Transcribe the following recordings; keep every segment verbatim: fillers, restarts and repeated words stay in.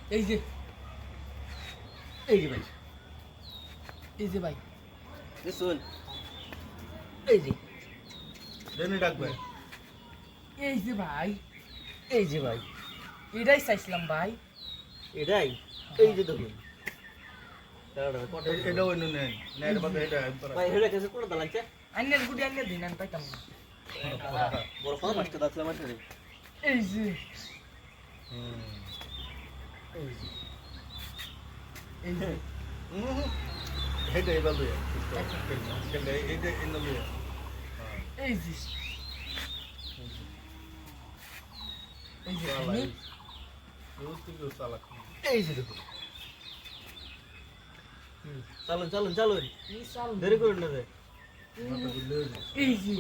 এই যে এই যে ভাই এই যে ভাই শুন এই যে দেনি ডাকবে এই যে ভাই এই যে ভাই এটাই চাইছিলাম ভাই এটাই এই যে দেখুন এটা ওই নুন নেই না এটা বাদে এটা ভাই হেডা কাছে কোন দালাইছে আন্নের গুটি আন্নের দিন আমি পাইতাম না বড় ফল মাছটা দাঁতলা মাছ রে এই যে হুম এই যে এই যে হুম এটা এই বাদে এটা এটা ইন দ্য লিয়া এই যে এই যে আমি ইউজ টু ইউজ সালাক এই যে দেখুন চলুন চলুন চলুন এই সাল দেরি করুন না রে এই যে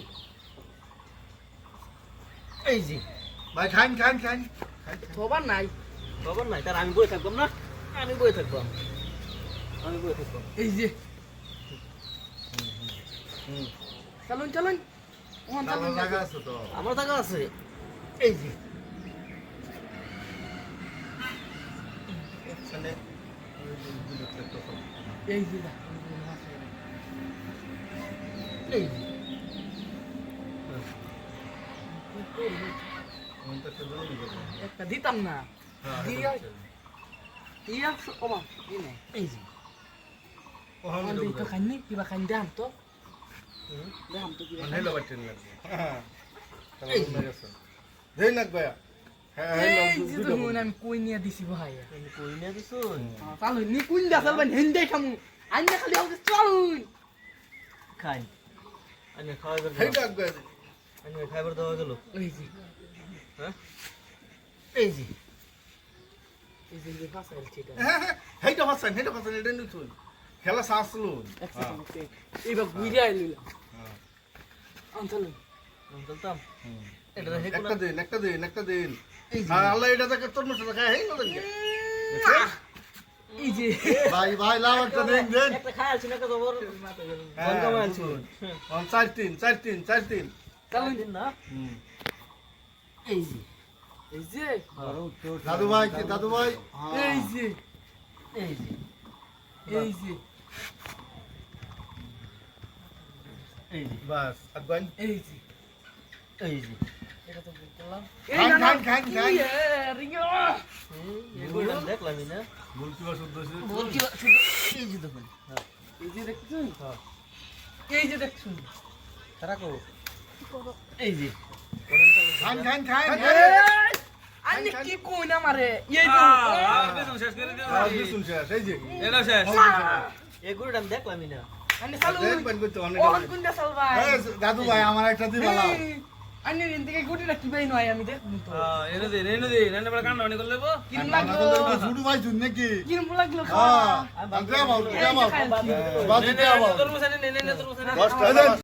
এই যে ভাই খান খান খান খবর নাই খবর নাই তার আমি বই থাকবাম না আমি বই থাকবাম আমি বই থাকবাম এই যে হুম চলুন চলুন ওখান তাহলে চলুন জায়গা আছে তো আমার টাকা আছে এই যে এখানে এই যে দা এই যে মনটা কেন জানি না একটা দিতাম না হ্যাঁ দিয়া দিয়া ওমা দিনে এই যে ওহান আমি তো খাইনি কিবা খাইনি দাম তো দাম তো কিবা হেলো বাটেন লাগবে হ্যাঁ তাহলে মনে গেছে দেই নাক ভাইয়া হ্যাঁ হেলো এই যে তো মনে আমি কই নিয়ে দিছি ভাই আমি কই না দিছুন চালু নি কুইন দা চালবেন হিন্দে খামু আইনা খালি আউতে চলুন খাই আমি খাওয়াবার হেই দাও ডাক ভাই আমি খাইবার দেওয়া গেল এই যে হ্যাঁ এই যে এই যে ফাসা এলচিটা হ্যাঁ হ্যাঁ হেইটা ফাসান হেইটা ফাসান এটা নিতুন খেলা সাসলুন এইবার ঘুরে আইলিলাম হ্যাঁ আনছালুন আমি চলতাম এটা দেখে একটা দিন একটা দিন একটা দিন এই যে আর আল্লাহ এটা থেকে তোর মতো খায় হেই না দেন এই যে ভাই ভাই লাভ একটা দিন দেন একটা খাই আছি না তো জবর হ্যাঁ, বন্ধ করে আছি অন চার তিন চার তিন চার তিন চালুন দিন না হুম এই যে এই যে দাদু ভাই কি দাদু ভাই এই যে এই যে এই যে এই যে বাস আগুন এই যে এই যে এটা তো বললাম খান, খান, খান, খান। রিঙ্গো এগুলো দেখলাম না বলছি বা শুদ্ধ হইছে? বলছি শুধু এই যে দেখুন এই যে দেখছুন এই যে দেখছুন তারা কো এই যে খান খান খান আনি কি কই না মারে এই তো আজ শুন শেষ এই যে এগুলো আমি দেখলাম না আনি চালু দেখবেন কইতো অনেক ওহন কুন্ডা চালবাই এই দাদু ভাই আমার একটা দিবা লাও আনি রিন থেকে গুটিটা কি বাই নয় আমি দেখব তো কিরম লাগলো লাগলো শুরু ভাই শুন নাকি কিরম লাগলো হ্যাঁ আগে যাও আগে যাও বাস দিতে যাও